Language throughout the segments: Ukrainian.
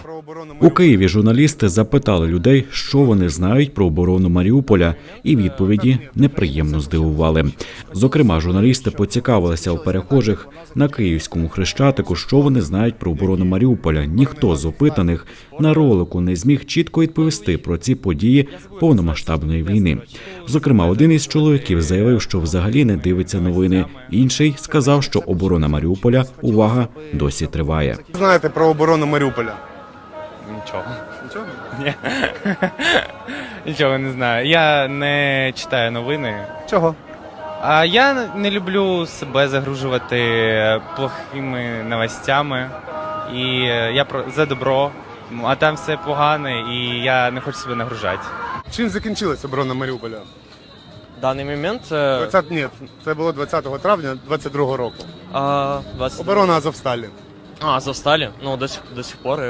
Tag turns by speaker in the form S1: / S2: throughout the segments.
S1: У Києві журналісти запитали людей, що вони знають про оборону Маріуполя, і відповіді неприємно здивували. Зокрема, журналісти поцікавилися у перехожих на Київському Хрещатику, що вони знають про оборону Маріуполя. Ніхто з опитаних на ролику не зміг чітко відповісти про ці події повномасштабної війни. Зокрема, один із чоловіків заявив, що взагалі не дивиться новини. Інший сказав, що оборона Маріуполя, увага, досі триває.
S2: Знаєте про оборону Маріуполя?
S3: Нічого.
S2: Нічого?
S3: Ні. Нічого не знаю. Я не читаю новини.
S2: Чого?
S3: А я не люблю себе загружувати плохими новостями. І я за добро, а там все погане, і я не хочу себе нагружати.
S2: Чим закінчилась оборона Маріуполя?
S4: В даний момент...
S2: Ні, це було 20 травня 22 року.
S4: 20...
S2: Оборона Азовсталі.
S4: Азовсталі? Ну, до сих пор...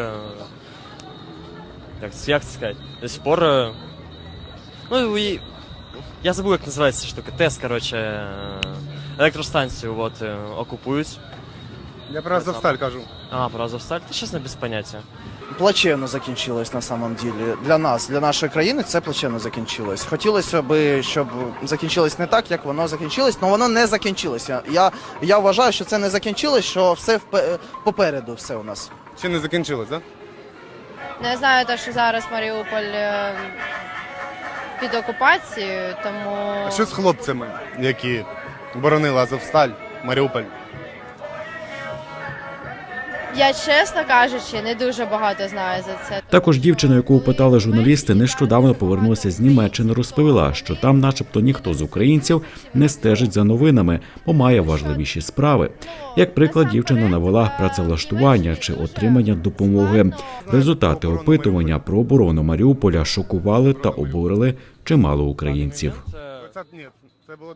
S4: Як це сказати? До сих пор... Ну, і... Я забув, як називається штука. ТЕС, коротше, електростанцію окупують.
S2: Я про Азовсталь кажу.
S4: Про Азовсталь? Та, чесно, без поняття.
S5: Плачевно закінчилось на самом деле. Для нас, для нашої країни це плачевно закінчилось. Хотілося б, щоб закінчилось не так, як воно закінчилось, але воно не закінчилося. Я вважаю, що це не закінчилось, що все попереду все у нас.
S2: Ще не закінчилось, так?
S6: Не знаю, те, що зараз Маріуполь під окупацією, тому...
S2: А що з хлопцями, які боронили Азовсталь, Маріуполь?
S6: Я, чесно кажучи, не дуже багато знаю за це.
S1: Також дівчина, яку опитали журналісти, нещодавно повернулася з Німеччини, розповіла, що там начебто ніхто з українців не стежить за новинами, бо має важливіші справи. Як приклад, дівчина навела працевлаштування чи отримання допомоги. Результати опитування про оборону Маріуполя шокували та обурили чимало українців.
S2: Ні, це було